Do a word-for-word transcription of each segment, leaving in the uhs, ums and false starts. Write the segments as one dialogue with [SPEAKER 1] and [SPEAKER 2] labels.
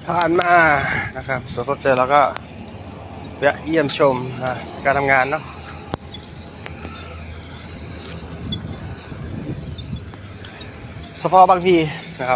[SPEAKER 1] ผ่านมานะครับสวนพบเจอแล้วก็แวะเยี่ยมชมการทำงานเนาะสภบางพีนะครับ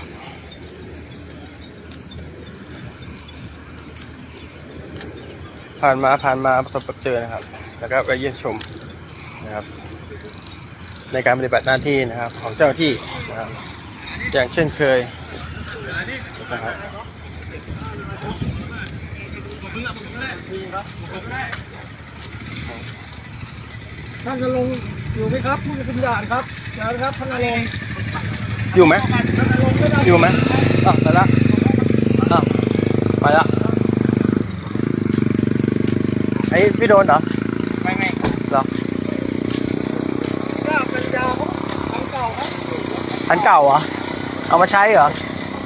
[SPEAKER 1] ผ่านมาผ่านมาประสบพบเจอนะครับแล้วก็ไปเยี่ยมชมนะครับในการปฏิบัติหน้าที่นะครับของเจ้าหน้าที่นะครับอย่างเช่นเคยนะครับ
[SPEAKER 2] ท่านนรงค์อยู่ไหมครับผู้จะเป็นด่านครับเดี๋ยวนะครับท่านนรงค์
[SPEAKER 1] อยู่ไหม
[SPEAKER 2] ท่านนรงค์ไม่ได้
[SPEAKER 1] อยู่ไหมอ่ะไปละอ่ะไปละไอ้พี่โดนเหรอไม่ไม่เหรอ
[SPEAKER 2] ก็เป็นยาของอันเก่าครับ
[SPEAKER 1] อันเก่าเหรอเอามาใช้เหรอ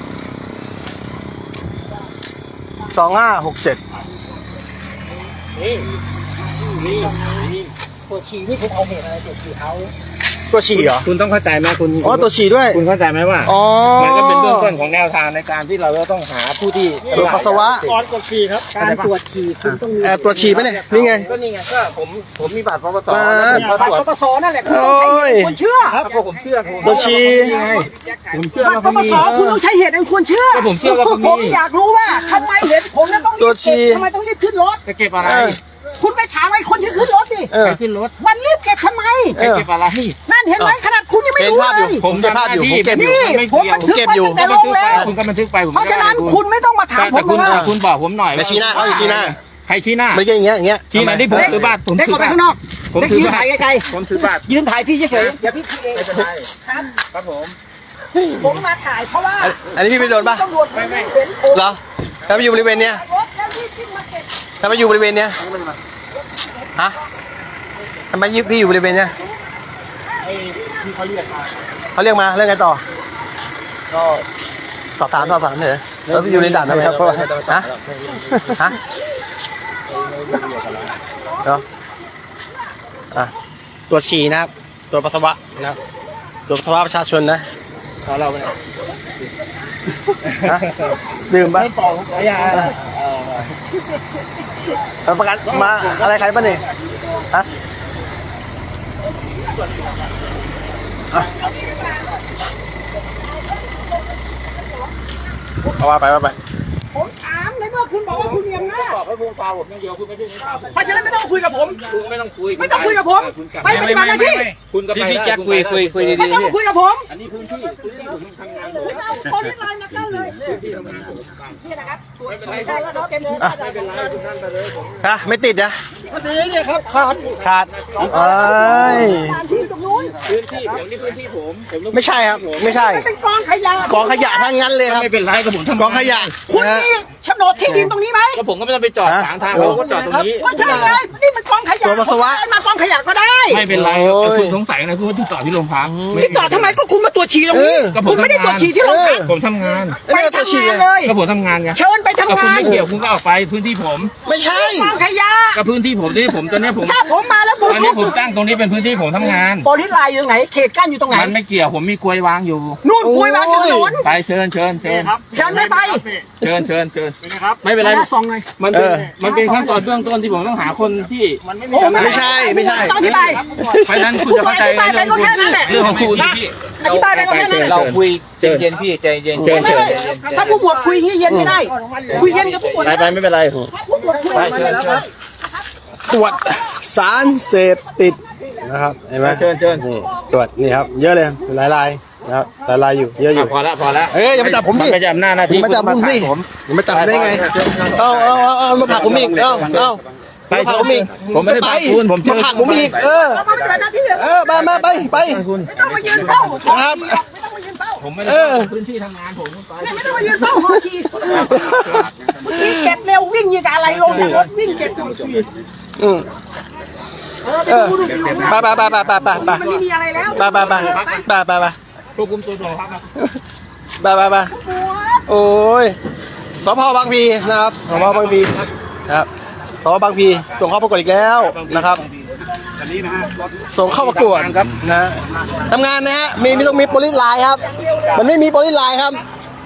[SPEAKER 1] สองห้าหกเจ็ด
[SPEAKER 2] นี่นี่นี่ตัวฉี่ที่คุณเอาเหตุอะไรตัวฉี่เอา
[SPEAKER 1] ตัวฉี่เหรอ
[SPEAKER 3] คุณต้องเข้าใจไหมคุณ
[SPEAKER 1] อ๋อตัวฉี่ด้วย
[SPEAKER 3] คุณเข้าใจไหมว่า
[SPEAKER 1] อ๋อ
[SPEAKER 3] มันก็เป็นเบื้องต้นของแนวทางในการที่เราจะต้องหาผู้ที่
[SPEAKER 1] ตรวจปัสสาวะ
[SPEAKER 2] ก่อนกดฉี่ครับการตรวจฉี่คุณต้องมี
[SPEAKER 1] แอบตรวจฉี่ไหมเนี่ยนี่ไง
[SPEAKER 3] ก็นี่ไงก็ผมผมมีบัตรปปส
[SPEAKER 1] มา
[SPEAKER 3] แล้วผม
[SPEAKER 2] บั
[SPEAKER 3] มา
[SPEAKER 2] ต
[SPEAKER 3] ตรวจ
[SPEAKER 2] รปปสนั่นแหละคุณต้องใช้เหตุคุณเชื่อ
[SPEAKER 3] ครับก็ผมเชื่อผม
[SPEAKER 1] ตัวฉี่
[SPEAKER 3] ผมเชื่อ
[SPEAKER 2] บัต
[SPEAKER 3] ว่าร
[SPEAKER 2] ป
[SPEAKER 3] เขา
[SPEAKER 2] ป
[SPEAKER 3] มี
[SPEAKER 2] สคุณต้องใช้เหตุอันควรเชื่อ
[SPEAKER 3] ก็ผมเชื่อว่าเขามี
[SPEAKER 2] ผมอยากรู้ว่าทำไมเห็นผมแล้วต้องรีบ
[SPEAKER 1] ตัวฉี่
[SPEAKER 2] เก็บทำไมต้องรีบขึ้นรถ
[SPEAKER 3] จะเก็บอะไร
[SPEAKER 1] เออ
[SPEAKER 2] คุณไปถามไอ้คนที่ขึ้นรถดิ
[SPEAKER 1] เออ
[SPEAKER 3] ไปขึ้นรถ
[SPEAKER 2] มันรีบเก็บทำไม
[SPEAKER 1] เออ
[SPEAKER 3] เก็บอะไร
[SPEAKER 2] นั่นเห็นไหมขนาดคุณยังไม่
[SPEAKER 1] เห็น
[SPEAKER 2] รู้
[SPEAKER 1] ภาพ
[SPEAKER 2] เล
[SPEAKER 1] อยู่
[SPEAKER 2] ย
[SPEAKER 1] ผมเก็บภาพอยู่ผมเก็บอยู่
[SPEAKER 2] นี่
[SPEAKER 3] ไม่
[SPEAKER 2] ผม
[SPEAKER 3] เกี่ยว
[SPEAKER 2] บันทึก
[SPEAKER 1] เก็บ
[SPEAKER 2] ไว้
[SPEAKER 1] อยู่
[SPEAKER 2] ตั้งแต่ลงแล้ว
[SPEAKER 3] คุณก็บันทึกไปผม
[SPEAKER 2] เพราะฉะนั้นคุณไม่ต้องมาถามผม
[SPEAKER 3] แต่คุณ
[SPEAKER 2] ว่า
[SPEAKER 3] คุณบอกผมหน่อย
[SPEAKER 1] ไปชี้หน้าเขาอยู่ชี้หน้า
[SPEAKER 3] ใครชี้หน้า
[SPEAKER 1] ไม่ใช่อย่างเงี้ยอย่างเงี้ย
[SPEAKER 3] ชี้หน้าที่ผมถือบัตรผม
[SPEAKER 2] เด็ก
[SPEAKER 3] ถื
[SPEAKER 2] ออกไป
[SPEAKER 3] บัตร
[SPEAKER 2] ข้างนอก
[SPEAKER 3] ผม
[SPEAKER 2] เด็ก
[SPEAKER 3] ถือ
[SPEAKER 2] ยืน
[SPEAKER 3] บัต
[SPEAKER 2] ถ่าย
[SPEAKER 3] ร
[SPEAKER 2] ไกล
[SPEAKER 3] ผมถือบัตร
[SPEAKER 2] ๆยืนถ่ายพี่เฉยๆอย่าพี่พี่เอง
[SPEAKER 3] ไม่เป็นไร
[SPEAKER 2] ครับ
[SPEAKER 3] ครับผม
[SPEAKER 2] ผมมาถ่ายเพราะว่า
[SPEAKER 1] อันอันนี้พี่ไปโดนปะ
[SPEAKER 2] ตำรวจไม่เห็นผม
[SPEAKER 1] เหรอถ้าไปอยู่บริเวณเนี้ย
[SPEAKER 2] รถแล้วรีบขึ้นมาเก็บ
[SPEAKER 1] ถ้าไปอยู่บริเวณเนี้ยฮะทำไมยิบพี่อยู่บริเวณเนี้ย
[SPEAKER 3] ไอ้ที่เขาเรียกมา
[SPEAKER 1] เขาเรียกมาเรื่องไงต่อก็สอบถามสอบถามเหรอแล้วพี่อยู่ในด่านทำไมครับฮะฮะเนาะอ่ะตัวฉี่นะครับตัวปัสสาวะนะครับตัวปัสสาวะประชาชนนะเอาเราไปเนี่ยฮะดื่มปะ
[SPEAKER 3] ไม่ปอกขยา
[SPEAKER 1] เอาประกันมาอะไรใครป่ะเนี่ยฮะอ่ะเอาว่าไปว่าไป
[SPEAKER 2] ผมถามในเมื่อคุณบอกว่าคุณมีอำนาจ
[SPEAKER 3] บอกให้วงตาผมอย่างเดียวคุณไม่ได้
[SPEAKER 2] เพราะฉะนั้นไม่ต้องคุยกับผม
[SPEAKER 3] คุณไม่ต้องคุย
[SPEAKER 2] ไม่ต้องคุยกับผมไปปฏิบัติหน้าที่
[SPEAKER 3] คุณก็ไปพี่แจ็คคุยคุยคุย
[SPEAKER 2] ไม่
[SPEAKER 3] ดี
[SPEAKER 2] ต้องมาคุยกับผม
[SPEAKER 3] อันนี้พื้นที่พื้นที่ผมทำงานผม
[SPEAKER 2] คุณเอาคนที่ไลน์มากั้นเลยนี่นะครับตัวจฉี่ได้แล้วเนาะเต็มที่
[SPEAKER 1] อ่ะ
[SPEAKER 2] ได้เป็นไร
[SPEAKER 1] ฮะไม่ติดนะ
[SPEAKER 2] พอดีเนี่ยครับขาด
[SPEAKER 1] ขาดเอ้ย
[SPEAKER 2] ตามที่ตรงนู้น
[SPEAKER 3] พื้นที่ผมนี่พื้นที่ผมผมต้อง
[SPEAKER 1] ไม่ใช่ครับไม่ใช่
[SPEAKER 2] มันเป็นกองขยะ
[SPEAKER 1] กองขยะทั้งนั้นเลยครับ
[SPEAKER 3] ไม่เป็นไรกับผมทำ
[SPEAKER 1] กองขยะ
[SPEAKER 2] คุณ
[SPEAKER 1] นะ
[SPEAKER 2] มีโฉนดที่ดินตรงนี้ไหม
[SPEAKER 3] ก็ผมก็ไม่ต้องไปจอดขวางทางเขาก็จอดตรงนี้
[SPEAKER 2] ก็ใช่ไงนี่มันกองขยะ
[SPEAKER 1] ตัวปัสสาวะ
[SPEAKER 2] ผมเอมากองขยะก็ได้
[SPEAKER 3] ไม่เป็นไรคุณสงสัยนะคุณที่จอดที่โรงพัก
[SPEAKER 2] พี่จอดทำไมก็คุณมาตรวจฉี่ตรงนี้
[SPEAKER 1] เออ
[SPEAKER 2] คุณไม่ได้ตรวจฉี่ที่โรงพัก
[SPEAKER 3] ผมทำงาน
[SPEAKER 1] ไอ้
[SPEAKER 2] ไป
[SPEAKER 1] นี่ตัว
[SPEAKER 2] ทำ
[SPEAKER 1] ฉี่
[SPEAKER 2] งาน
[SPEAKER 1] อะ
[SPEAKER 2] เลย
[SPEAKER 3] ก็ผมทำงานไง
[SPEAKER 2] เชิญไป
[SPEAKER 3] ก็
[SPEAKER 2] ทำ
[SPEAKER 3] คุณ
[SPEAKER 2] งาน
[SPEAKER 3] ไม่เกี่ยวคุณก็ออกไปพื้นที่ผม
[SPEAKER 1] ไม่ใช่
[SPEAKER 2] กองขยะ
[SPEAKER 3] ก็พื้นที่ผมที่ผมตอนนี้ผม
[SPEAKER 2] ถ้าผมมาแล้วบุก
[SPEAKER 3] ตอนนี้ผมตั้งตรงนี้เป็นพื้นที่ผมทำงาน
[SPEAKER 2] โปรลิสไลน์อยู่ตรงไหนเขตกั้นอยู่ตรงไหน
[SPEAKER 3] มันไม่เกี่ยวผมมีกลวยวางอยู่
[SPEAKER 2] นู่นคุยวางอยู่ถนน
[SPEAKER 3] ไปเชิญเชิญเชิญ
[SPEAKER 2] เชิญไม่ไป
[SPEAKER 3] เชิญเชิญเชิญไม่เป็นไร
[SPEAKER 2] ซองหน่อย
[SPEAKER 3] มันเป็น
[SPEAKER 1] เออ
[SPEAKER 3] มันเป็นขั้นตอนเบื้องต้นที่ผมต้องหาคนที่มันไม่มี
[SPEAKER 2] โอ้
[SPEAKER 1] ไม่ใช่ไม่ใช่
[SPEAKER 2] ต้องอธิบาย
[SPEAKER 3] เพราะฉะนั้นคุณจะเข้าใจ
[SPEAKER 2] อธิบายไปก็แค่นั้นแหละ
[SPEAKER 3] เรื่องของคุณ
[SPEAKER 2] อธิบายไปก็แค่นั้นแหละ
[SPEAKER 3] เราคุยใจเย็นพี่ใจเย็น
[SPEAKER 2] ไม่ไม่ถ้าผู้หมวดคุยอย่างนี้เย็นไม่ได้ คุยเย็นกับผู้หมวด
[SPEAKER 3] ไปไปไม่เป็นไร
[SPEAKER 2] ถ้าผู้หมวดคุย
[SPEAKER 3] ไปเชิญเชิญ
[SPEAKER 1] ตรวจสารเสพติดนะครับเห็นไหม
[SPEAKER 3] เชิญเชิญ
[SPEAKER 1] นี่ตรวจนี่ครับเยอะเลยหลายลายนะครับหลายลายอยู่เยอะอยู่
[SPEAKER 3] พอละพอละ
[SPEAKER 1] เอ้ยอย่ามาจับผมดิ
[SPEAKER 3] ไม่ใช่อำนาจหน้าที่
[SPEAKER 1] อย่ามาจับผมดิอย่ามาจับได้ไงเอาเอาเอาเอามาผลักผมอีกเอาเอามาผลักผมอีก
[SPEAKER 3] ผมไม่ได้ผลักคุณผม
[SPEAKER 1] มาผลักผมอีกเออ
[SPEAKER 2] แล้วมันเกิดหน้าที่เหรอ
[SPEAKER 1] เออมามาไปไป
[SPEAKER 3] คุณ
[SPEAKER 2] ไม่ต้องมายืนเฝ้า
[SPEAKER 1] ครับ
[SPEAKER 2] ไม่ต้องมายืนเฝ้า
[SPEAKER 3] ผมไม่ได้พื้นที่ทำงานผมไป
[SPEAKER 2] ไม่ต้องมายืนเฝ้าหอชีวิ่งเก็บเร็ววิ่งยิงอะไรลงจากรถวิ่งเก็บหอชี
[SPEAKER 1] อืม
[SPEAKER 2] เออไป
[SPEAKER 1] เออ
[SPEAKER 2] ดูดูดู
[SPEAKER 1] ไปไปไปไปไปไปไป
[SPEAKER 2] มันไม่มีอะไรแล้ว
[SPEAKER 1] ไปไปไปไปไปไป
[SPEAKER 3] ควบคุมตัวตัวครับ
[SPEAKER 1] ไปไปไปโอ้ยสพบางพีนะครับสพบางพีนะครับสพบางพีส่งเข้าประกวดอีกแล้วนะครับส่งเข้าประกวดนะฮะทำงานนะฮะมีมีต้องมีโปรลิสไลน์ครับมันไม่มีโปรลิสไลน์ครับ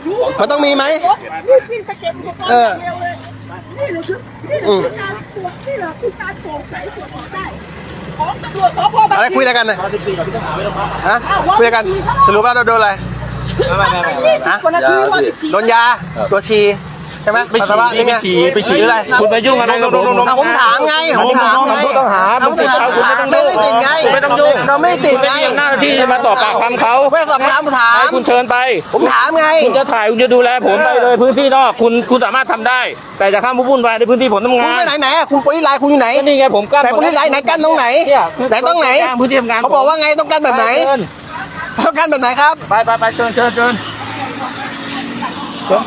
[SPEAKER 1] มันต้องมีไหม
[SPEAKER 2] รีบวิ่งไปเก็บอุปกรณ์
[SPEAKER 1] เออ
[SPEAKER 2] เร็วเลยนี่เหรอคือนี่เหรอคือการตรวจนี่เหรอคือการโปร่งใสตรวจสอบได้ของตำรวจสพบาง
[SPEAKER 1] อะไร
[SPEAKER 2] พลี
[SPEAKER 1] คุยอะไรกันนะฮะคุยอะไรกันสรุปว่าเราโดนอะไร ฮะ
[SPEAKER 2] กว่านาทีว่าสิบสี่
[SPEAKER 1] โดนยาตัวชีใช่ไหม
[SPEAKER 3] ไปฉี่
[SPEAKER 1] ปัสสาวะนี่ไง
[SPEAKER 3] ไปฉี่
[SPEAKER 1] ไปฉี่หรืออะไร
[SPEAKER 3] คุณไปยุ่งกับน้องผม
[SPEAKER 1] อ่ะผมถามไงผมถามไง
[SPEAKER 3] ผู้ต้องหา
[SPEAKER 1] ผมถาม
[SPEAKER 3] คุณไม่ต้อง
[SPEAKER 1] ไม่ไม่ติดไง
[SPEAKER 3] ไม่ต้องยุ่ง
[SPEAKER 1] เราไม่ติดไง
[SPEAKER 3] หน้าที่จะมาตอบปากคำเขา
[SPEAKER 1] ไม่สอบถามผมถาม
[SPEAKER 3] ให้คุณเชิญไป
[SPEAKER 1] ผมถามไง
[SPEAKER 3] คุณจะถ่ายคุณจะดูแลผมไปเลยพื้นที่นอกคุณคุณสามารถทำได้ แต่จะข้ามวุ่นวายในพื้นที่ผมทำ
[SPEAKER 1] คุณ
[SPEAKER 3] งาน
[SPEAKER 1] ไปไหนไหนอ่ะคุณโปรยไลน์คุณอยู่ไหน
[SPEAKER 3] ก็นี่ไงผมกั้น
[SPEAKER 1] แต่โปรยไลน์ไหนกั้นตรงไหน
[SPEAKER 3] เนี่ยคือ
[SPEAKER 1] ไหนตรงไหน
[SPEAKER 3] พื้นที่ทำงาน
[SPEAKER 1] เขาบอกว่าไงต้องกั้นแบบไหน
[SPEAKER 3] เชิญ
[SPEAKER 1] ต้องกั้นแบบไหนครับ
[SPEAKER 3] ไปไปไปเชิญเชิญเชิญเชิญไป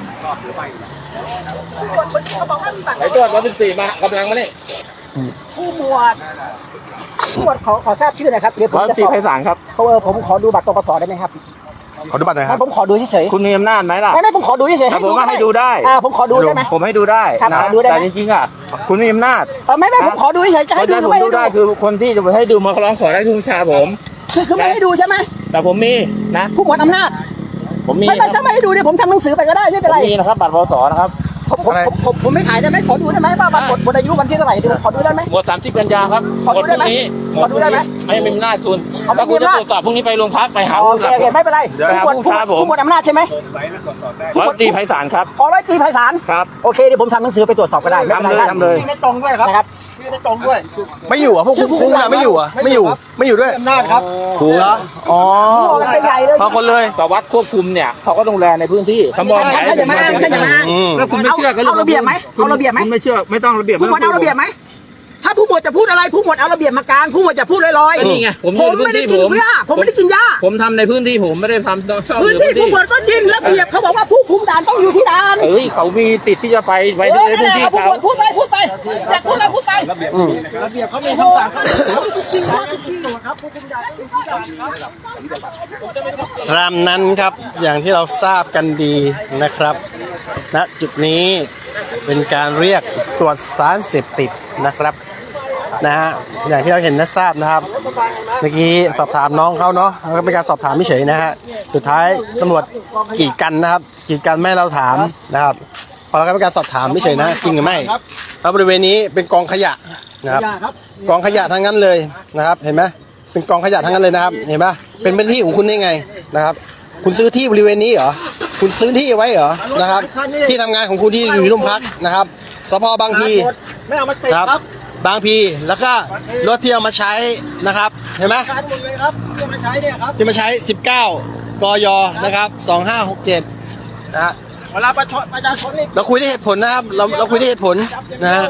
[SPEAKER 2] เขาบอกว่ามีบัตร
[SPEAKER 3] ไหนตรวจวันที่สี่มากำลังมานี่
[SPEAKER 2] ผู้หมวดผู้หมวดขอขอทราบชื่อหนะครับเดี๋ยวผม
[SPEAKER 3] ร้อย
[SPEAKER 2] จะ
[SPEAKER 3] สี่
[SPEAKER 2] สอบ
[SPEAKER 3] ไพศาลครับ
[SPEAKER 2] เขาเออผมขอดูบัตรปปสได้ไหมครับ
[SPEAKER 1] ขอดูบัตรหน่อยค
[SPEAKER 2] ไม่
[SPEAKER 1] รับ
[SPEAKER 2] ผมขอดูเฉย
[SPEAKER 3] คุณมีอำนาจไหมล่ะ
[SPEAKER 2] ๆไม่ไม่ผมขอดูเฉยๆ
[SPEAKER 3] แต่
[SPEAKER 2] ให้
[SPEAKER 3] ผมว่าให้ดูได้
[SPEAKER 2] อ่าผมขอดูได้ไหม
[SPEAKER 3] ผมให้ดูได้
[SPEAKER 2] ครับ
[SPEAKER 3] นะ
[SPEAKER 2] ขอดูได้ไหม
[SPEAKER 3] แต่จริงๆอ่ะคุณมีอำนาจ
[SPEAKER 2] เออไม่ไม่ผมขอดูเฉยๆจะ
[SPEAKER 3] ค
[SPEAKER 2] ให้
[SPEAKER 3] น
[SPEAKER 2] ดู
[SPEAKER 3] ที่
[SPEAKER 2] ห
[SPEAKER 3] ผ
[SPEAKER 2] รือ
[SPEAKER 3] ม
[SPEAKER 2] ไม่ให้
[SPEAKER 3] ดู
[SPEAKER 2] ดู
[SPEAKER 3] ได้คือคนที่จะให้ดูมาร้องขอได้ทุกวิชาผม
[SPEAKER 2] คือคือไม่ให้ดูใช่ไหม
[SPEAKER 3] แต่ผมมีนะ
[SPEAKER 2] ผู้หมวดอำนาจ
[SPEAKER 3] ผมมี
[SPEAKER 2] ไม่ไม่
[SPEAKER 3] นะ
[SPEAKER 2] ถ้าไม่ให้ดูเดี๋ยวผมทำหนังสือไปก็ได้ไม่เป็น
[SPEAKER 3] ผ
[SPEAKER 2] ไร
[SPEAKER 3] มมีนะครับบัตรปสนะครับ
[SPEAKER 2] ผมผมผมผมผมไม่ถ่ายได้ไหมขอดูได้ไหมว่าบัตรหมดหมดอายุวันที่เท่าไหร่เดี๋ยวผมขอดูได้ไหม
[SPEAKER 3] หมดสามสิบกันยาครับ
[SPEAKER 2] ขอดูได้ไหม
[SPEAKER 3] หมดพรุ่งนี้
[SPEAKER 2] ขอดูได้ไหม
[SPEAKER 3] ไม่มีอำนาจคุณ
[SPEAKER 2] เอาไม่
[SPEAKER 3] ถ้าคุณ
[SPEAKER 2] มี
[SPEAKER 3] จะ
[SPEAKER 2] อำนาจ
[SPEAKER 3] ตรวจสอบพรุ่งนี้ไปโรงพักไปหา
[SPEAKER 2] โอ
[SPEAKER 3] ผู้
[SPEAKER 2] เคโอเคไม่เป็นไร
[SPEAKER 3] เดี๋ยว
[SPEAKER 2] ผู้หมวด
[SPEAKER 3] ผู้ชายผม
[SPEAKER 2] ผู้หมวดอำนาจใช่ไหม
[SPEAKER 3] ร้อยตรีไพศาลครับ
[SPEAKER 2] ขอร้อยตรีไพศาล
[SPEAKER 3] ครับ
[SPEAKER 2] โอเคเดี๋ยวผมทำหนังสือไปตรวจสอบก็ได้ไม่เป็นไร
[SPEAKER 3] ทำเลยทำเลย
[SPEAKER 2] ไม่ตรงด้วยครับนะครับ
[SPEAKER 1] ไม่อยู่อ่ะพวกคุณพวกคุณอะไม่อยู่อ่ะไม่อยู่ไม่อยู่ด้วย
[SPEAKER 2] อำนาจครับ
[SPEAKER 1] ถูกเหรออ๋อ
[SPEAKER 2] โอ้กันไปใหญ่เลย
[SPEAKER 1] มาคนเลย
[SPEAKER 3] แต่วัดควบคุมเนี่ยเขาก็ดูแลในพื้นที่เขาบอก
[SPEAKER 2] ท่านอย่ามาอ้างท่านอย่ามาอ้าง
[SPEAKER 1] อืม
[SPEAKER 3] แล้วคุณไม่เชื่อก็
[SPEAKER 2] เอาระเบียบไหมเอาระเบียบไหม
[SPEAKER 3] คุณไม่เชื่อไม่ต้องระเบียบ
[SPEAKER 2] ผู้หมวดเอาระเบียบไหมถ้าผู้หมวดจะพูดอะไรผู้หมวดเอาระเบียบมากลางผู้หมวดจะพูดลอยๆ
[SPEAKER 3] ก็นี่ไงผม
[SPEAKER 2] ผ
[SPEAKER 3] อยู่
[SPEAKER 2] ม
[SPEAKER 3] ในพื้
[SPEAKER 2] ไม่
[SPEAKER 3] น
[SPEAKER 2] ได้
[SPEAKER 3] ที่
[SPEAKER 2] กิน
[SPEAKER 3] ผม
[SPEAKER 2] หญ้าผมไม่ได้กินหญ้า
[SPEAKER 3] ผมทำในพื้นที่ผมไม่ได้ทำต้อง
[SPEAKER 2] พื้นที่ผู้หมวดก็จริงระเบียบเขาบอกว่าผู้คุมด่านต้องอยู่ที่ด่าน
[SPEAKER 3] เอ้ยเขามีติดที่จะไปไว้
[SPEAKER 2] เออ
[SPEAKER 3] ในพื้นที่
[SPEAKER 2] เอาผู้
[SPEAKER 3] เขา
[SPEAKER 2] หมวดพูดไปพูดไปอยากพูดอะไรพูดไป
[SPEAKER 1] อืม
[SPEAKER 2] ระเบียบเขามีคำสั่งจริงครับจริงครับผู้คุมด่านผู้คุมด่านครับ
[SPEAKER 1] ตามนั้นครับอย่างที่เราทราบกันดีนะครับณจุดนี้เป็นการเรียกตรวจสารเสพติดนะครับนะฮะอย่างที่เราเห็นและทราบนะครับ เมื่อกี้สอบถามน้องเขาเนาะแล้วก็เป็นการสอบถามไม่เฉยนะฮะสุดท้ายตำรวจกีดกันนะครับกีดกันไม่ให้เราถามนะครับพอเราก็เป็นการสอบถามไม่เฉยนะจริงหรือไม่เพราะบริเวณนี้เป็นกองขยะนะครับกองขยะทั้งนั้นเลยนะครับเห็นไหมเป็นกองขยะทั้งนั้นเลยนะครับเห็นปะเป็นพื้นที่ของคุณได้ไงนะครับ คุณซื้อที่บริเวณนี้เหรอคุณซื้อที่ไว้เหรอนะครับ ที่ทำงานของคุณที่อยู่ที่โรงพักนะครับสพบางพี
[SPEAKER 2] ไม่เอามาติด
[SPEAKER 1] ครับ
[SPEAKER 2] ครับ
[SPEAKER 1] บางพีแล้วก็รถที่เอามาใช้นะครับเห็นไหม
[SPEAKER 2] การหมดเลยครับที่เอามาใช้เนี่ยครับ
[SPEAKER 1] ที่มาใช้ สิบเก้ากยนะครับสองห้าหกเจ็ดนะฮะ
[SPEAKER 2] เวลาประชาประชาชนนี่
[SPEAKER 1] เราคุยด้วยเหตุผลนะครับเราเราคุยด้วยเหตุผลนะฮะ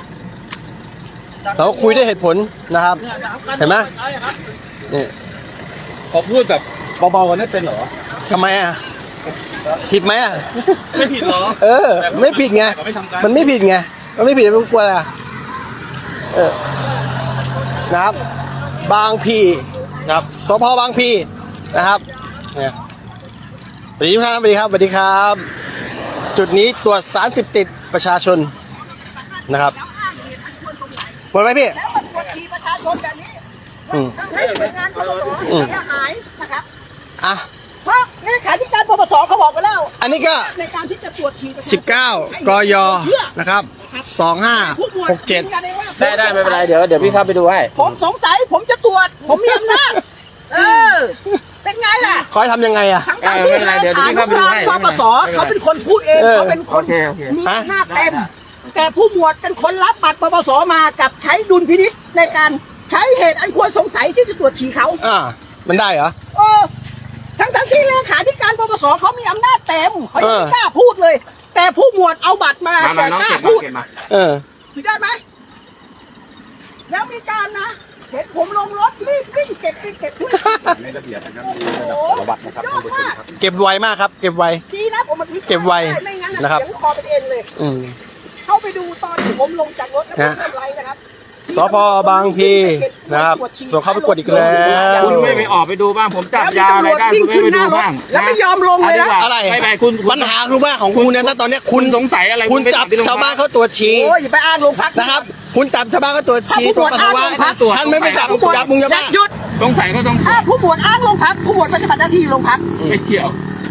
[SPEAKER 1] เราคุยด้วยเหตุผลนะครับเห็นไหมนี่
[SPEAKER 3] เขาพูดแบบเบาๆกันได้เป็นเหรอ
[SPEAKER 1] ทำไมอ่ะผิดไหมอ่ะ
[SPEAKER 3] ไม่ผิดเหรอ
[SPEAKER 1] เออ ไม่ผิดไงมันไม่ผิดไงมันไม่ผิดมันกลัวอะไรอ่ะเออนะครับบางพีนะครับสพบางพีนะครับเนี่ยสวัสดีทุกท่านสวัสดีครับสวัสดีครับ จุดนี้ตรวจสารเสพติดประชาชนนะครับหมดไหมพี่
[SPEAKER 2] แล้วมันกดขี่ประชาชนแบบนี้
[SPEAKER 1] อืม
[SPEAKER 2] ให้หน่วยงานปปส
[SPEAKER 1] อืม
[SPEAKER 2] เสียหายนะครับ
[SPEAKER 1] อ่ะ
[SPEAKER 2] เพราะเลขาธิการปปสเขาบอกไปแล้ว
[SPEAKER 1] อันนี้ก็
[SPEAKER 2] ในการที่จะตรวจขี่ประชาชน
[SPEAKER 1] สิบเก้ากยนะครับสองห้าหกเจ็ด
[SPEAKER 3] ได้ได้ไม่เป็นไรเดี๋ยวเดี๋ยวพี่เข้าไปดูให้
[SPEAKER 2] ผมสงสัยผมจะตรวจ ผมมีอำนาจเออ เป็นไงล่ะ
[SPEAKER 1] คอยทำยังไงอ่ะ
[SPEAKER 2] ทั้งการที่เลขานุการปปสเขาเป็นคนพูดเอง
[SPEAKER 1] เออ
[SPEAKER 2] เขาเป็นคน
[SPEAKER 3] โอเคโอเค
[SPEAKER 2] มีอำนาจเต็ม แต่ผู้หมวดเป็นคนรับบัตรปปสมากับใช้ดุลพินิจในการใช้เหตุอันควรสงสัยที่จะตรวจฉี่เขา
[SPEAKER 1] อ่ามันได้เหรอ
[SPEAKER 2] เออทั้งทั้งที่เลขาธิการปปสเขามีอำนาจเต็มเขายัง
[SPEAKER 1] เออ
[SPEAKER 2] ไม่กล้าพูดเลย แต่ผู้หมวดเอาบัตรมา
[SPEAKER 3] มามา
[SPEAKER 2] แต่
[SPEAKER 3] น้อง
[SPEAKER 2] กล้า
[SPEAKER 3] เก็บมา
[SPEAKER 2] พูด
[SPEAKER 3] เก็บมา
[SPEAKER 1] เออ
[SPEAKER 2] ถือได้ไหมแล้วมีการนะเห็นผมลงรถรีบวิ่งเก็บวิ่งเก็บด้วย
[SPEAKER 4] ในระเบียบนะครับ
[SPEAKER 2] โอ้
[SPEAKER 4] มี
[SPEAKER 2] โห
[SPEAKER 4] ระดับสารวัตรนะครับ
[SPEAKER 2] ยอ
[SPEAKER 4] ท่าน
[SPEAKER 2] ด
[SPEAKER 4] ผู้ชม
[SPEAKER 2] มาก
[SPEAKER 4] ครับ
[SPEAKER 1] เก็บไวมากครับเก็บไว
[SPEAKER 2] ดีนะผมมัน
[SPEAKER 1] เก็บไว้
[SPEAKER 2] ไม่งั้น
[SPEAKER 1] นะครับ
[SPEAKER 2] เสียงคอเป็นเอ็นเลย
[SPEAKER 1] อืม
[SPEAKER 2] เข้าไปดูตอนที่ผมลงจากรถแล้วผม
[SPEAKER 1] ฮะ
[SPEAKER 2] ทำไรนะครับ
[SPEAKER 1] สพบางพีนะครับส่งเข้าประกวดอีกแล้ว
[SPEAKER 3] คุณไม่ไปออกไปดูบ้างผมจับยาอะไรได้คุณไม่ไปดูบ้าง
[SPEAKER 2] แล้วไม่ยอมลงเลยนะ
[SPEAKER 1] อะไร
[SPEAKER 3] ไม่ไปคุณ
[SPEAKER 1] ปัญหาคือว่าของคุณเนี่ยถ้าตอนเนี้ย
[SPEAKER 3] คุ
[SPEAKER 1] คุณ ณ
[SPEAKER 3] สงสัยอะไร
[SPEAKER 1] คุณจับ
[SPEAKER 3] ไปที่โรงพัก
[SPEAKER 1] ชาวบ้านเขาตรวจฉี่
[SPEAKER 2] โอ้ยอย่าไปอ้างโรงพัก
[SPEAKER 1] นะครับ คุณจับชาวบ้านเขาตรวจฉี่
[SPEAKER 2] ถ้า
[SPEAKER 1] ตรวจ
[SPEAKER 2] ผู้
[SPEAKER 1] ปัส
[SPEAKER 2] หมวด
[SPEAKER 1] สาวะ
[SPEAKER 2] อ้างโรงพัก
[SPEAKER 1] ท่านไม่ไปจับจับมุงยาบ้า
[SPEAKER 2] หยุด
[SPEAKER 3] สงสัยก็ต้อง
[SPEAKER 2] ถ้าผู้หมวดอ้างโรงพักผู้หมวดปฏิบัติหน้าที่โรงพัก
[SPEAKER 3] ไม่เกี่ยว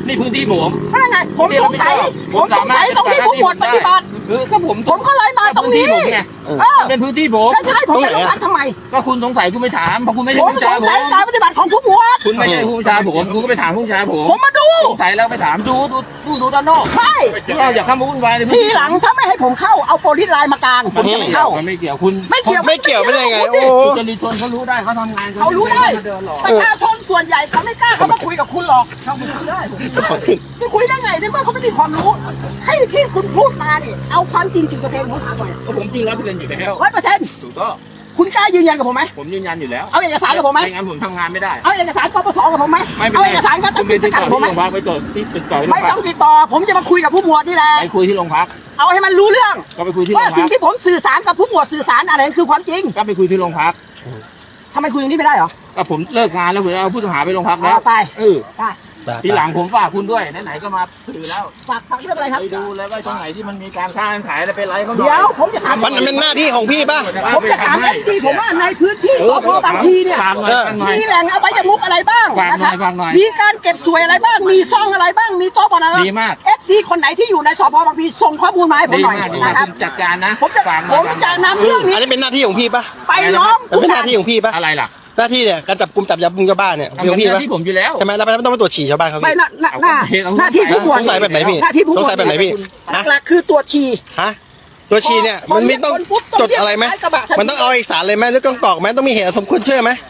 [SPEAKER 3] นี่พื้นที่ผม
[SPEAKER 2] นั่นไงผมสงสัยผมสงสัยตรงที่ผู้หมวดปฏิบัติ
[SPEAKER 3] คือก็ผม
[SPEAKER 2] ผมก็เลยมาตรงนี้
[SPEAKER 3] พื้ที่ผมไง
[SPEAKER 2] เออ
[SPEAKER 3] เป็นพื้นที่ผม
[SPEAKER 2] แล้วจะให้ผมไปโรงพักทำไม
[SPEAKER 3] ก็คุณสงสัยคุณไม่ถามเพราะคุณไม่ใช่
[SPEAKER 2] ผม
[SPEAKER 3] ผู้
[SPEAKER 2] ส
[SPEAKER 3] ชาย
[SPEAKER 2] ง
[SPEAKER 3] ผ
[SPEAKER 2] สัย
[SPEAKER 3] ม
[SPEAKER 2] การปฏิบัติของผู้หมวด
[SPEAKER 3] คุณไม่ใช่ผู้ชายผมคุณก็ไปถามผู้ชายผม
[SPEAKER 2] ผมมาดู
[SPEAKER 3] สงสัยแล้วไปถามดูดูดูดูด้านนอก
[SPEAKER 2] ใช่
[SPEAKER 3] เราอย่าเข้ามาวุ่นวายเลย
[SPEAKER 2] ทีหลังถ้าไม่ให้ผมเข้าเอาโปรลิสไลน์มากลางผมจะไม่เข้า
[SPEAKER 3] มันไม่เกี่ยวคุณ
[SPEAKER 2] ไม่เกี่ยว
[SPEAKER 1] ไม่เกี่ยวไม่ได้ไงโอ้
[SPEAKER 3] คุณจริชนเขารู้ได้เขาทำงาน
[SPEAKER 2] เขารู้ได้
[SPEAKER 3] เดินหรอก
[SPEAKER 2] ประชาชนส่วนใหญ่เขาไม่กล้าเขามาคุยกับคุณหรอกเขาไม่คุยได้จะคุยได้ไงในเมื่อเขาไม่มีความรู้ ให้ที่คุณพูดมาเนี่ยเอาความจริงจริงกับเพลงผมถามหน่อย
[SPEAKER 3] ก็ผมจริงร้อยเปอร์เซ็นต์อยู่แล้ว
[SPEAKER 2] ร้อยเปอร์เซ็นต์
[SPEAKER 3] ถูกต้อง
[SPEAKER 2] คุณกล้ายืนยันกับผมไหม
[SPEAKER 3] ผมยืนยันอยู่แล้ว
[SPEAKER 2] เอาเอกสารกับผมไหม
[SPEAKER 3] ไม่งั้นผมทำงานไม่ได้
[SPEAKER 2] เอาเอกสารปปสกับผมไหม
[SPEAKER 3] ไม่เป็น
[SPEAKER 2] เอา
[SPEAKER 3] ไร
[SPEAKER 2] เอกสารการตัด
[SPEAKER 3] คุณ
[SPEAKER 2] สิ
[SPEAKER 3] ไป
[SPEAKER 2] น
[SPEAKER 3] ติด
[SPEAKER 2] จั
[SPEAKER 3] ต่
[SPEAKER 2] ด
[SPEAKER 3] อ
[SPEAKER 2] ผม
[SPEAKER 3] ที่
[SPEAKER 2] ไหม
[SPEAKER 3] โรงพักไปต่อที่ติดต่อที่โร
[SPEAKER 2] ไม่
[SPEAKER 3] งพั
[SPEAKER 2] ต้อก งติดต่อผมจะมาคุยกับผู้หมวดนี่แหละ
[SPEAKER 3] ไปคุยที่โรงพัก
[SPEAKER 2] เอาให้มันรู้เรื่อง
[SPEAKER 3] ก็ไปคุยที่โร
[SPEAKER 2] ว่าง
[SPEAKER 3] พั
[SPEAKER 2] สิ่ง
[SPEAKER 3] ก
[SPEAKER 2] ที่ผมสื่อสารกับผู้หมวดสื่อสารอะไรคือความจริง
[SPEAKER 3] ก็ไปคุยที่โรงพัก
[SPEAKER 2] ทำไมคุยอย่างนี้ไม่ได้เหรอ
[SPEAKER 3] ก็ผมเลิกงานแล้วผมเอาผู้ต้องหาไปโรงพักแล้ว
[SPEAKER 2] เอาไป
[SPEAKER 3] เออ
[SPEAKER 2] ได้
[SPEAKER 3] ทีหลังผมฝากคุณด้วยไหนๆก็มาถือแล้ว
[SPEAKER 2] ฝากฝากเรื่องอะไรครับ
[SPEAKER 3] ไปดูเลยว่าตรงไหนที่มันมีการค้าการขายอะไรไปไล่เขาหน่อย
[SPEAKER 2] เดี๋ยวผมจะถาม
[SPEAKER 1] มันเป็นหน้าที่ของพี่ป่ะ
[SPEAKER 2] ผมจะถามเอฟซีผมว่าในพื้นที่สพบางทีเนี่ย
[SPEAKER 3] ฝากหน่อยฝากหน่อย
[SPEAKER 2] มีแหล่งอบายมุกอะไรบ้าง
[SPEAKER 3] ฝากหน่อย
[SPEAKER 2] นะครับ
[SPEAKER 3] ฝากหน่อย
[SPEAKER 2] มีการเก็บสวยอะไรบ้าง มีซ่องอะไรบ้าง มีโจ๊กอะไรบ้าง
[SPEAKER 3] ดีมาก
[SPEAKER 2] เอฟซีคนไหนที่อยู่ในสพบางพีส่งข้อมูลมาให้ผม
[SPEAKER 3] ดี
[SPEAKER 2] หน่อย
[SPEAKER 3] มากดี
[SPEAKER 2] นะ
[SPEAKER 3] มาก
[SPEAKER 2] ครับ
[SPEAKER 3] คุณจัดการนะ
[SPEAKER 2] ผมจะ
[SPEAKER 3] ฝากห
[SPEAKER 2] ผ
[SPEAKER 3] น่อย
[SPEAKER 2] มจะนำเรื่องนี้
[SPEAKER 1] อันนี้เป็นหน้าที่ของพี่ป่ะ
[SPEAKER 2] ไปร้อง
[SPEAKER 1] มันเป็นหน้าที่ของพี่ป่ะ
[SPEAKER 3] อะไรล่ะ
[SPEAKER 1] หน้าที่เนี่ยการจับกุมจับยับมุงชาวบ้านเนี่ย
[SPEAKER 3] ทำ
[SPEAKER 1] เป็นของ
[SPEAKER 3] เป็น
[SPEAKER 1] พี่
[SPEAKER 3] หน้า
[SPEAKER 1] ป่ะ
[SPEAKER 3] ที่ผมอยู่แล้ว
[SPEAKER 1] ใช่ไหมแล้วไม่ต้องไปตรวจฉี่ชาวบ้านเขา
[SPEAKER 2] ไม่
[SPEAKER 1] พี่
[SPEAKER 2] หน้าหน้าหน้า
[SPEAKER 3] เอา
[SPEAKER 2] หน้าที่ผู้หมวด
[SPEAKER 1] สงสัยแบบไหนพี่
[SPEAKER 2] หน้าที่ผู้หมวด
[SPEAKER 1] สงสัยแบบไหนพี่ฮะ
[SPEAKER 2] หลักๆคือตรวจฉี่
[SPEAKER 1] ฮะตัวฉี่เนี่ยมันไม่ต้องจดอะไรไหมมันต้องเอาเอกสารเลยไหมหรือต้องกรอกไหมต้องมีเหตุอันสมควรเชื่อไหม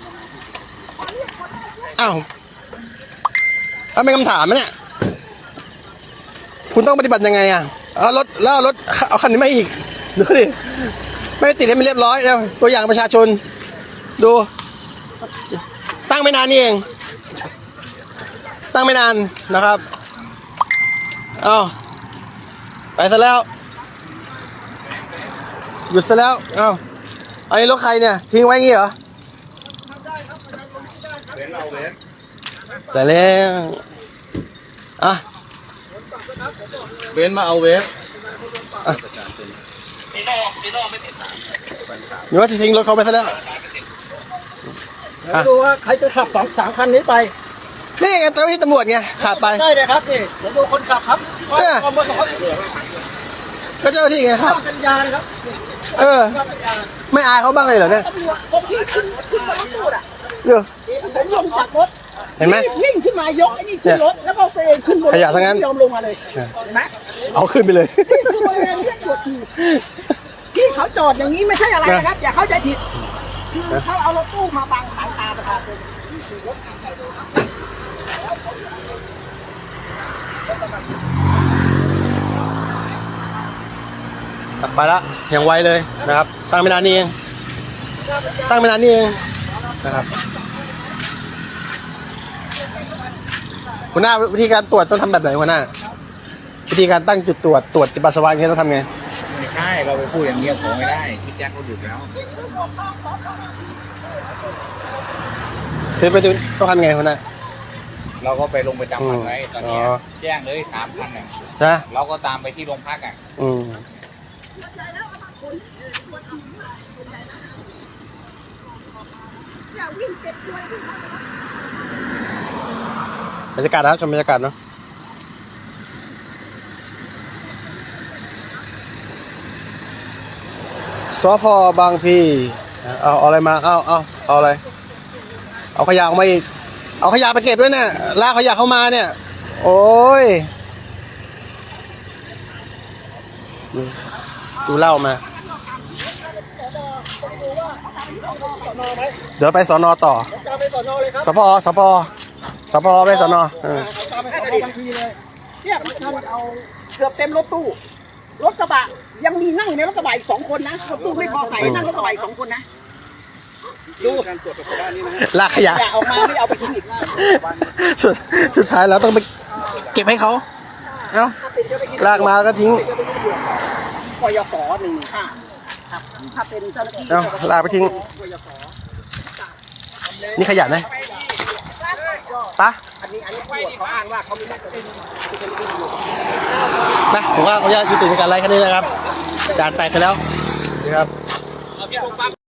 [SPEAKER 1] อ้าวเอาเป็นคำถามไหมเนี่ยคุณต้องปฏิบัติยังไงอ่ะเอารถแล้วเอารถเอาคันนี้มาอีกดูดิไม่ได้ติดให้มันเรียบร้อยแล้วตัวอย่างประชาชนดูตั้งไม่นานนี่เองตั้งไม่นานนะครับเอาไปซะแล้วหยุดซะแล้วเอ้าอันนี้รถใครเนี่ยทิ้งไว้งี้เหรอแต่แล้วอ่ะ
[SPEAKER 3] เบนมาเอาเวฟ
[SPEAKER 1] หรือว่าจะทิ้งรถเขาไปซะแล้วอ่ะ
[SPEAKER 2] ดูว่าใครจะขับสองสามคันนี้ไป
[SPEAKER 1] นี่ไงเจ้าหน้าที่ตำรวจไงขาดไป
[SPEAKER 2] ได้เลยครับนี่เดี๋ยวดูคนขับครับ
[SPEAKER 1] เออ
[SPEAKER 2] ความประสงค์
[SPEAKER 1] ก็เจ้าหน้าที่ไงครับ
[SPEAKER 2] สัญญาณครับ
[SPEAKER 1] เออ ไม่อายเขาบ้างเลยเหรอเนี่ย
[SPEAKER 2] ตำรวจคนที่ขึ้นขึ้นมารถตู้อ่ะ
[SPEAKER 1] เดี๋ยว
[SPEAKER 2] ผมลงจากรถ
[SPEAKER 1] เห็นไหม
[SPEAKER 2] วิ่งขึ้นมายกไอ้นี่ขึ้นรถแล้วก็ตัวเองขึ้นบนรถ
[SPEAKER 1] ขยะทั้งนั้น
[SPEAKER 2] ไม่ยอมลงมาเลยเห็นไหม
[SPEAKER 1] เอาขึ้นไปเลย
[SPEAKER 2] นี่คือบริเวณที่ตรวจฉี่ที่เขาจอดอย่างนี้ไม่ใช่อะไรนะครับ อย่าเข้าใจผิดคือเขาเอารถตู้มาบังสายตาประชาชนที่ขี่รถผ่านไปมา
[SPEAKER 1] ไปละอย่างไวเลยนะครับ ตั้งไม่นานนี่เองตั้งไม่นานนี่เองนะครับหัวหน้าวิธีการตรวจต้องทำแบบไหนหัวหน้าวิธีการตั้งจุดตรวจตรวจปัสสาวะอย่างเงี้ยต้องทำไง
[SPEAKER 3] ไม่ใช่เราไปพูดอย่างเงี้ยของไม่ได้พี่แจ็คเขาดุแล้ว
[SPEAKER 1] คือไปดูต้องทำไงหัวหน้า
[SPEAKER 3] เราก็ไปลงประจำวันไว้ตอนนี้
[SPEAKER 1] อ๋อ
[SPEAKER 3] แจ้งเลยสามพันอ่ะ
[SPEAKER 1] นะ
[SPEAKER 3] เราก็ตามไปที่โรงพักอ่ะ
[SPEAKER 1] อืมบรรยากาศนะครับชมบรรยากาศเนาะสพบางพีเอาเอาอะไรมาเอาเอาเอาอะไรเอาขยะออกมาอีกเอาขยะไปเก็บด้วยเนี่ยลากขยะเข้ามาเนี่ย โอ้ยดูเหล้ามาเดี๋ยวไปสอนอต่อ
[SPEAKER 2] ตามไปสอนอเลยครับ
[SPEAKER 1] สพสพสพไปสอนอเออ
[SPEAKER 2] ตามไปสอนอทันทีเลยเนี่ยมันท่านเอาเกือบเต็มรถตู้รถกระบะยังมีนั่งอยู่ในรถกระบะอีกสองคนนะรถตู้ไม่พอใส่นั่งรถกระบะอีกสองคนนะดูการตรวจปัสสาวะนี่นะ
[SPEAKER 1] ลากขยะ
[SPEAKER 2] อย่าออกมาไม่เอาไปทิ้งอีก
[SPEAKER 1] สุดสุดท้ายเราต้องไปเก็บให้เขาเอ้าลากมาก็ทิ้ง
[SPEAKER 2] กยศหนึ่งห้าครับถ้าเป็นเจ้าหน้าที่
[SPEAKER 1] เอ้าลากไปทิ้ง
[SPEAKER 2] กยศ
[SPEAKER 1] นี่ขยะนะปะ
[SPEAKER 2] อันนี้อันนี้ตำรวจเขาอ้างว่าเขามีหน้าที่
[SPEAKER 1] นะผมว่าเขาจะยุติในการไล่แค่นี้นะครับจานแตกไปแล้วนะครับ